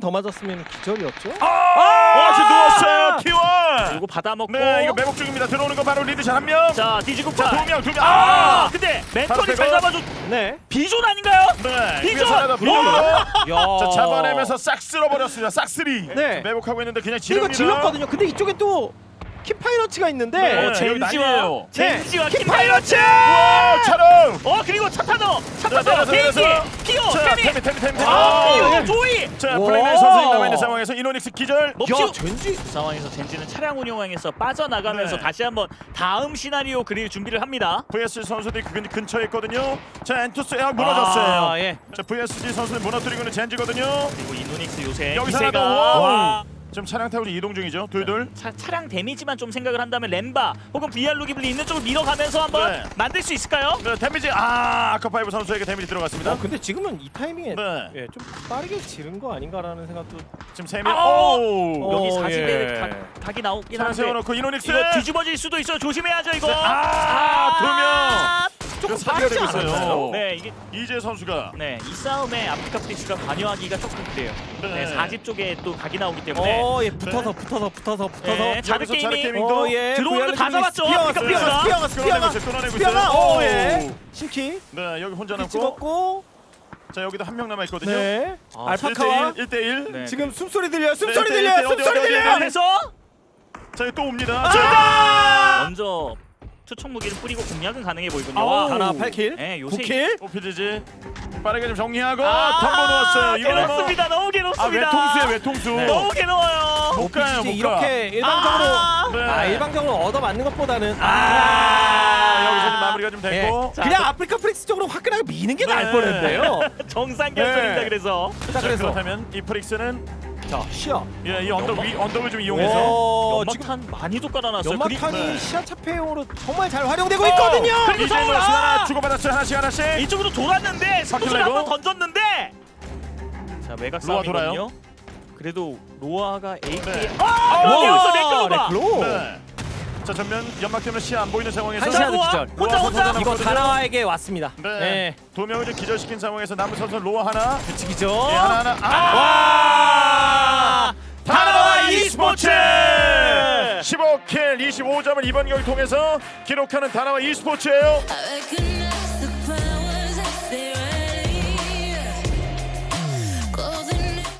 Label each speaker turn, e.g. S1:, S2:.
S1: 더 맞았으면 기절이었죠?
S2: 지금 누웠어요. T1.
S3: 이거 받아먹고.
S2: 네, 이거 매복 중입니다. 들어오는 거 바로 리드샷 한 명.
S3: 자 뒤지고
S2: 자,
S3: 파.
S2: 두 명.
S3: 근데
S2: 바로
S3: 멘토리 잘
S2: 빼고.
S3: 잡아줘.
S1: 네.
S3: 비존 아닌가요?
S2: 네.
S3: 비전!
S2: 위에서 하나 비전.
S1: 야.
S2: 자, 잡아내면서 싹 쓸어버렸습니다. 싹쓸이.
S1: 네.
S2: 매복하고 있는데 그냥
S1: 그리고
S2: 지릅니다.
S1: 질렀거든요. 근데 이쪽에 또 킥파이러츠가 있는데
S2: 네.
S3: 젠지와
S2: 난리예요.
S3: 젠지와
S1: 네.
S3: 킴파이러츠.
S2: 와, 차롱.
S3: 그리고 차 타너
S2: 내려서,
S3: 비행기
S2: 내려서.
S3: 피오
S2: 자,
S3: 태미.
S2: 태미.
S3: 피오 조이.
S2: 자,
S1: 와.
S2: 플레이맨 선수님 남아 있는 상황에서 이노닉스 기절.
S3: 뭐
S1: 야,
S3: 피오
S1: 젠지
S3: 상황에서 젠지는 차량 운용항에서 빠져나가면서
S2: 네.
S3: 다시 한번 다음 시나리오 그릴 준비를 합니다.
S2: VS 선수들이 근처에 있거든요. 자, 엔투스 무너졌어요.
S1: 예.
S2: 자, VSG 선수는 무너뜨리고 있는 젠지거든요.
S3: 그리고 이노닉스 요새
S2: 여기서
S3: 기세가
S2: 하나 더.
S3: 와.
S2: 지금 차량 타고 이동 중이죠. 둘.
S3: 차량 데미지만 좀 생각을 한다면 램바 혹은 VR 루기블리 있는 쪽을 밀어가면서 한번
S2: 네.
S3: 만들 수 있을까요?
S2: 네, 데미지 아카파이브 선수에게 데미지 들어갔습니다.
S1: 근데 지금은 이 타이밍에
S2: 네.
S1: 예, 좀 빠르게 지른 거 아닌가라는 생각도
S2: 지금 세 명.
S3: 아!
S2: 오.
S3: 여기
S1: 어,
S3: 40대
S1: 예.
S3: 각이 나오긴
S2: 차량
S3: 한데
S2: 세워놓고 이노닉스.
S3: 이거 뒤집어질 수도 있어요. 조심해야죠 이거.
S2: 두 명.
S1: 조금
S2: 사기가 되고
S1: 빠르지
S2: 있어요.
S1: 않았나요?
S3: 네 이게
S2: 이재 선수가.
S3: 네 이 싸움에 아프리카 프릭스가 관여하기가 조금 그래요.
S2: 네.
S3: 네 40 쪽에 또 각이 나오기 때문에
S1: 예, 붙어서
S3: 네, 자드
S2: 여기서 자드
S3: 게이밍
S2: 게이밍도
S1: 예.
S3: 들어오는 거 다 잡았죠. 아프리카 프릭스가.
S2: 끊어내고
S1: 스피어가
S2: 있어요.
S1: 예. 신키
S2: 네, 여기 혼자 남고.
S1: 찍었고
S2: 자, 여기도 한 명 남아 있거든요.
S1: 네. 알파카와
S2: 1대1.
S3: 네.
S1: 지금 숨소리 들려요.
S2: 네,
S1: 숨소리
S2: 네,
S1: 들려요.
S2: 네,
S1: 숨소리
S2: 어디,
S1: 들려요.
S3: 그래서
S2: 자, 여기 또 옵니다.
S3: 먼저 투척 무기를 뿌리고 공략은 가능해 보이군요.
S1: 아우.
S3: 와.
S1: 하나 8킬.
S3: 네, 요새
S1: 9킬.
S2: 오피지지 빠르게 좀 정리하고 덤보 놓았어요. 이거는 뭐
S3: 괴롭습니다. 너무 괴롭습니다.
S2: 외통수에 외통수.
S3: 네. 너무 괴로워요.
S2: 못 가요, 못 가.
S1: 이렇게 일방적으로
S2: 네.
S1: 일방적으로 얻어맞는 것보다는
S2: 여기서 좀 마무리가 좀 됐고.
S3: 자,
S1: 그냥 아프리카 프릭스 쪽으로 화끈하게 미는 게 나을
S2: 네.
S1: 뻔했네요.
S3: 정상 결선입니다.
S2: 네.
S3: 그래서
S1: 자,
S2: 자,
S1: 그래서
S2: 그렇다면 이 프릭스는
S1: 자, 시야.
S2: 이 언덕을 좀 이용해서
S3: 연막탄 많이도 깔아놨어요.
S1: 연막탄이
S2: 네.
S1: 시야 차폐용으로 정말 잘 활용되고 있거든요.
S3: 그리고
S2: 이제
S3: 서울!
S2: 하나 주고받았어요. 하나씩.
S3: 이쪽으로 돌았는데 스포츠를
S2: 레고.
S3: 한번 던졌는데 자 외곽
S2: 로아
S3: 싸움이거든요. 그래도 로아가 AK
S2: 네.
S3: 그런데 여기서 맥클로가
S1: 레클로.
S2: 네. 자, 전면 연막 때문에 시야 안 보이는 상황에서
S1: 한 시야도
S3: 로아
S1: 기절.
S3: 혼자
S2: 로아
S1: 이거
S2: 남았거든요.
S1: 다나와에게 왔습니다.
S2: 네.
S1: 네.
S2: 두 명을 좀 기절시킨 상황에서 남은 선수 로아 하나.
S1: 규칙이죠.
S2: 예, 하나.
S1: 와!
S2: 다나와 e스포츠 15킬 25점을 이번 경기 통해서 기록하는 다나와 e스포츠예요.
S4: I recognize